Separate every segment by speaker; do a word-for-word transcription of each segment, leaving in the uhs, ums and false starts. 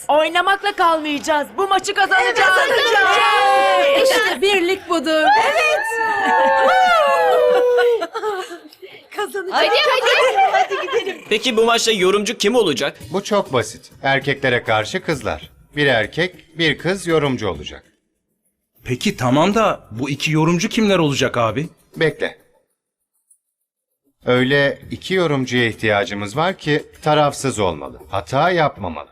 Speaker 1: Oynamakla kalmayacağız. Bu maçı kazanacağız.
Speaker 2: Kazanacağız.
Speaker 3: İşte birlik budur.
Speaker 2: Hadi hadi.
Speaker 4: Peki bu maçta yorumcu kim olacak?
Speaker 5: Bu çok basit. Erkeklere karşı kızlar. Bir erkek, bir kız yorumcu olacak.
Speaker 6: Peki tamam da bu iki yorumcu kimler olacak abi?
Speaker 5: Bekle. Öyle iki yorumcuya ihtiyacımız var ki tarafsız olmalı. Hata yapmamalı.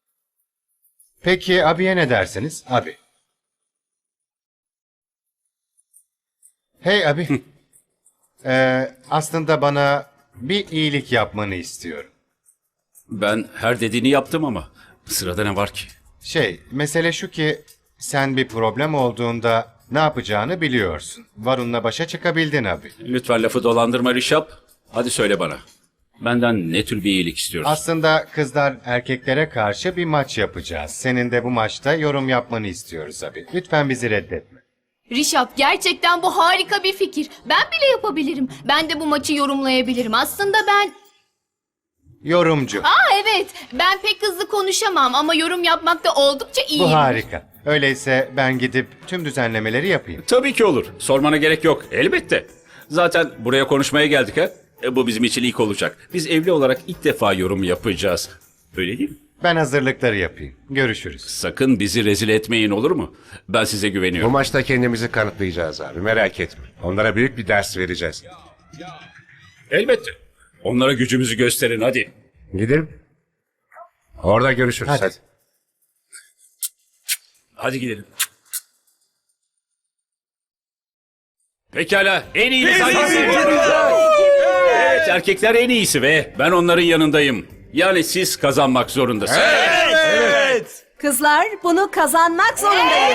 Speaker 5: Peki abiye ne dersiniz? Abi. Hey abi. Ee, aslında bana bir iyilik yapmanı istiyorum.
Speaker 7: Ben her dediğini yaptım ama sırada ne var ki?
Speaker 5: Şey, mesele şu ki sen bir problem olduğunda ne yapacağını biliyorsun. Varun'la başa çıkabildin abi.
Speaker 7: Lütfen lafı dolandırma Rişap. Hadi söyle bana. Benden ne tür bir iyilik istiyorsun?
Speaker 5: Aslında kızlar erkeklere karşı bir maç yapacağız. Senin de bu maçta yorum yapmanı istiyoruz abi. Lütfen bizi reddetme.
Speaker 2: Rişap, gerçekten bu harika bir fikir. Ben bile yapabilirim. Ben de bu maçı yorumlayabilirim. Aslında ben...
Speaker 5: Yorumcu.
Speaker 2: Aa evet, ben pek hızlı konuşamam ama yorum yapmakta oldukça iyiyim.
Speaker 5: Bu harika. Öyleyse ben gidip tüm düzenlemeleri yapayım.
Speaker 7: Tabii ki olur. Sormana gerek yok. Elbette. Zaten buraya konuşmaya geldik ha. E, bu bizim için ilk olacak. Biz evli olarak ilk defa yorum yapacağız. Öyle değil mi?
Speaker 5: Ben hazırlıkları yapayım. Görüşürüz.
Speaker 7: Sakın bizi rezil etmeyin, olur mu? Ben size
Speaker 8: Bu
Speaker 7: güveniyorum.
Speaker 8: maçta kendimizi kanıtlayacağız abi, merak etme. Onlara büyük bir ders vereceğiz.
Speaker 7: Elbette. Onlara gücümüzü gösterin hadi.
Speaker 8: Gidelim. Orada görüşürüz.
Speaker 5: Hadi.
Speaker 8: Hadi.
Speaker 7: Hadi gidelim. Pekala, en iyisi hangisi? Evet, erkekler en iyisi ve ben onların yanındayım. Yani siz kazanmak zorundasınız.
Speaker 3: Kızlar bunu kazanmak zorundayız.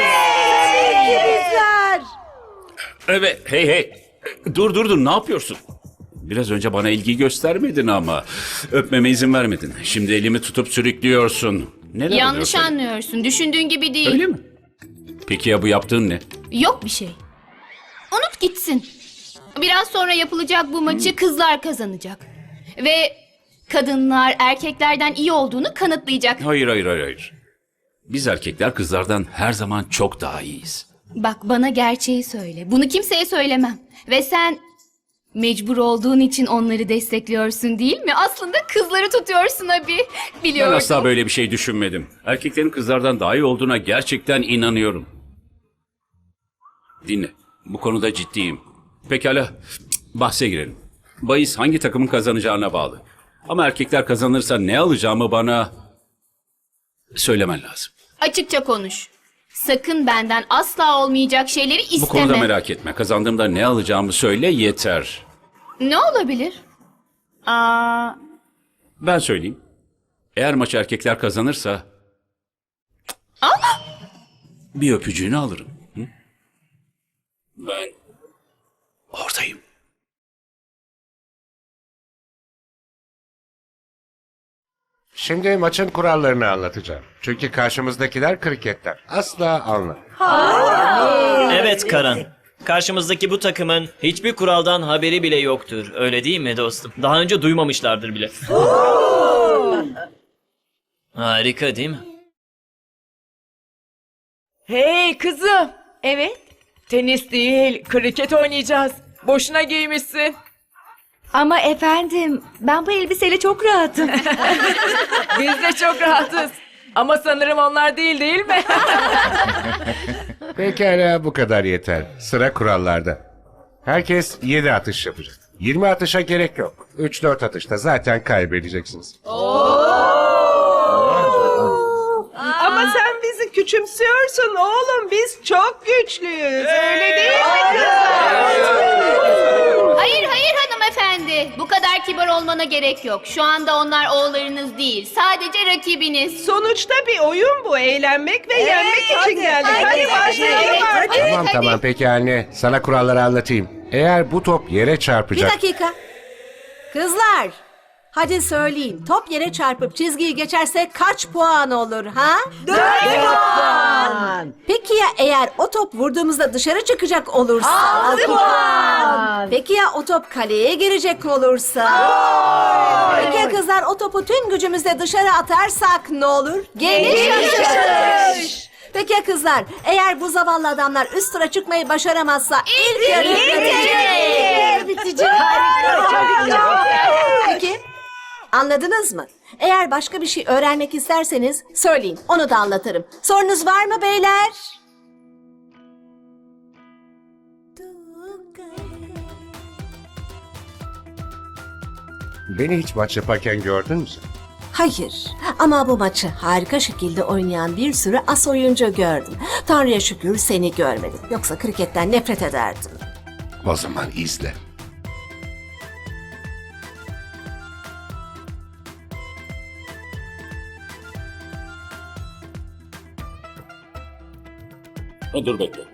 Speaker 7: Evet, hey hey. Dur dur dur, ne yapıyorsun? Biraz önce bana ilgi göstermedin ama öpmeme izin vermedin. Şimdi elimi tutup sürüklüyorsun. Neler
Speaker 2: Yanlış
Speaker 7: oluyor?
Speaker 2: anlıyorsun. Düşündüğün gibi değil.
Speaker 7: Öyle mi? Peki ya bu yaptığın ne?
Speaker 2: Yok bir şey. Unut gitsin. Biraz sonra yapılacak bu maçı kızlar kazanacak. Ve kadınlar erkeklerden iyi olduğunu kanıtlayacak.
Speaker 7: Hayır hayır hayır hayır. Biz erkekler kızlardan her zaman çok daha iyiyiz.
Speaker 2: Bak bana gerçeği söyle. Bunu kimseye söylemem. Ve sen mecbur olduğun için onları destekliyorsun değil mi? Aslında kızları tutuyorsun abi.
Speaker 7: Ben
Speaker 2: Biliyorum.
Speaker 7: asla böyle bir şey düşünmedim. Erkeklerin kızlardan daha iyi olduğuna gerçekten inanıyorum. Dinle. Bu konuda ciddiyim. Pekala. Bahse girelim. Bahis hangi takımın kazanacağına bağlı. Ama erkekler kazanırsa ne alacağımı bana söylemen lazım.
Speaker 2: Açıkça konuş. Sakın benden asla olmayacak şeyleri isteme.
Speaker 7: Bu konuda merak etme. Kazandığımda ne alacağımı söyle yeter.
Speaker 2: Ne olabilir? Aa,
Speaker 7: Ben söyleyeyim. Eğer maç erkekler kazanırsa... bir öpücüğünü alırım. Hı? Ben oradayım.
Speaker 8: Şimdi maçın kurallarını anlatacağım. Çünkü karşımızdakiler kriketler. Asla anlamıyor.
Speaker 4: Evet Karan. Karşımızdaki bu takımın hiçbir kuraldan haberi bile yoktur. Öyle değil mi dostum? Daha önce duymamışlardır bile. Harika değil mi?
Speaker 1: Hey kızım. Evet. Tenis değil, kriket oynayacağız. Boşuna giymişsin.
Speaker 3: Ama efendim ben bu elbiseyle çok rahatım.
Speaker 1: Biz de çok rahatız. Ama sanırım onlar değil değil mi?
Speaker 8: Pekala, bu kadar yeter. Sıra kurallarda. Herkes yedi atış yapacak. yirmi atışa gerek yok. üç dört atışta zaten kaybedeceksiniz.
Speaker 9: Ama sen bizi küçümsüyorsun oğlum. Biz çok güçlüyüz. Öyle değil mi kızlar?
Speaker 2: hayır hayır hanımefendi. Bu kadar kibar olmana gerek yok. Şu anda onlar oğullarınız değil. Sadece rakibiniz.
Speaker 9: Sonuçta bir oyun bu. Eğlenmek ve yenmek için geldik. Hadi başlayalım artık.
Speaker 8: Tamam tamam, peki anne. Sana kuralları anlatayım. Eğer bu top yere
Speaker 3: Bir
Speaker 8: çarpacak...
Speaker 3: dakika. Kızlar hadi söyleyin. Top yere çarpıp çizgiyi geçerse kaç puan olur ha? Dört puan.
Speaker 10: puan. Peki ya eğer o top vurduğumuzda dışarı çıkacak olursa? altı puan. Peki ya o top kaleye girecek olursa? Peki ya kızlar o topu tüm gücümüzle dışarı atarsak ne olur? Geniş atış. Peki ya kızlar eğer bu zavallı adamlar üst tura çıkmayı başaramazsa ilk yarı bitecek. bitecek. Peki anladınız mı? Eğer başka bir şey öğrenmek isterseniz söyleyin, onu da anlatırım. Sorunuz var mı beyler?
Speaker 8: Beni hiç maç yaparken gördün mü sen?
Speaker 10: Hayır ama bu maçı harika şekilde oynayan bir sürü as oyuncu gördüm. Tanrı'ya şükür seni görmedim. Yoksa kriketten nefret ederdim.
Speaker 8: O zaman izle.
Speaker 7: Ha, dur bekle.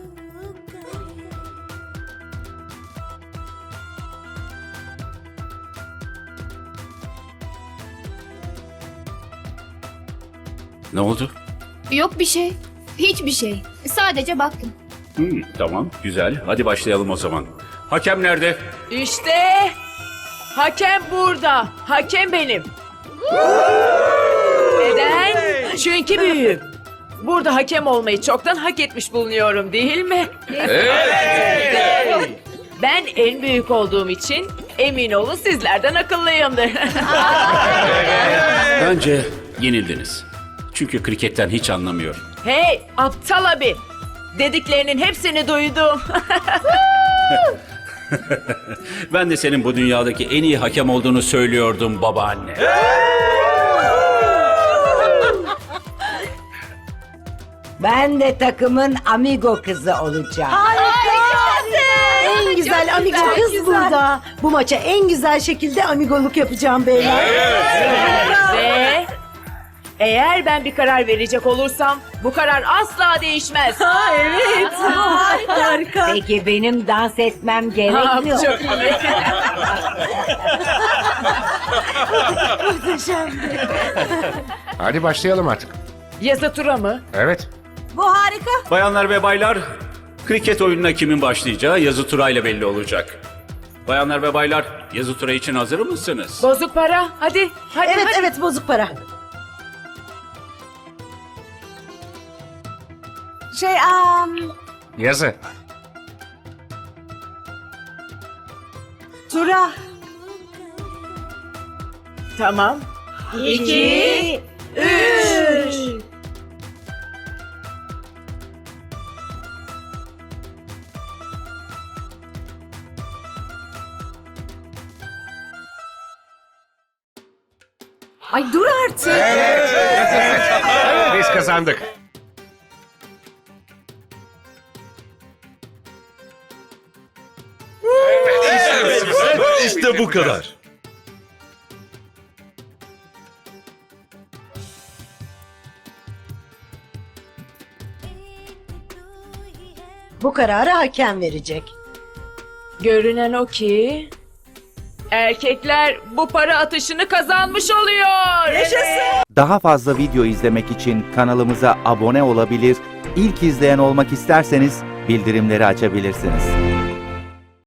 Speaker 7: Ne oldu?
Speaker 2: Yok bir şey. Hiçbir şey. Sadece baktım.
Speaker 7: Hmm, tamam, güzel. Hadi başlayalım o zaman. Hakem nerede?
Speaker 1: İşte hakem burada. Hakem benim. Neden? Çünkü büyüğüm. Burada hakem olmayı çoktan hak etmiş bulunuyorum değil mi? Evet. Ben en büyük olduğum için emin olun sizlerden akıllıyımdır.
Speaker 7: Bence yenildiniz. Çünkü kriketten hiç anlamıyor.
Speaker 1: Hey aptal abi. Dediklerinin hepsini duydum.
Speaker 7: Ben de senin bu dünyadaki en iyi hakem olduğunu söylüyordum babaanne.
Speaker 11: Ben de takımın amigo kızı olacağım.
Speaker 10: En güzel amigo kız burada.
Speaker 11: Bu maça en güzel şekilde amigoluk yapacağım beyler.
Speaker 1: Ve eğer ben bir karar verecek olursam bu karar asla değişmez.
Speaker 11: Evet. Harika. Peki benim dans etmem
Speaker 1: Tamam,
Speaker 11: gerekmiyor.
Speaker 1: çok iyi.
Speaker 8: Hadi başlayalım artık.
Speaker 1: Yazı tura mı?
Speaker 8: Evet.
Speaker 10: Bu harika.
Speaker 7: Bayanlar ve baylar, kriket oyununa kimin başlayacağı yazı turayla belli olacak. Bayanlar ve baylar, yazı tura için hazır mısınız?
Speaker 1: Bozuk para. Hadi. Hadi.
Speaker 11: Evet
Speaker 1: hadi.
Speaker 11: evet bozuk para.
Speaker 10: Şey um,
Speaker 8: Yazı.
Speaker 10: Tura.
Speaker 1: Tamam. İki. Üç.
Speaker 10: Ay dur artık.
Speaker 8: Biz kazandık.
Speaker 12: İşte bu kadar.
Speaker 11: Bu kararı hakem verecek.
Speaker 1: Görünen o ki erkekler bu para atışını kazanmış oluyor.
Speaker 12: Daha fazla video izlemek için kanalımıza abone olabilir, ilk izleyen olmak isterseniz bildirimleri açabilirsiniz.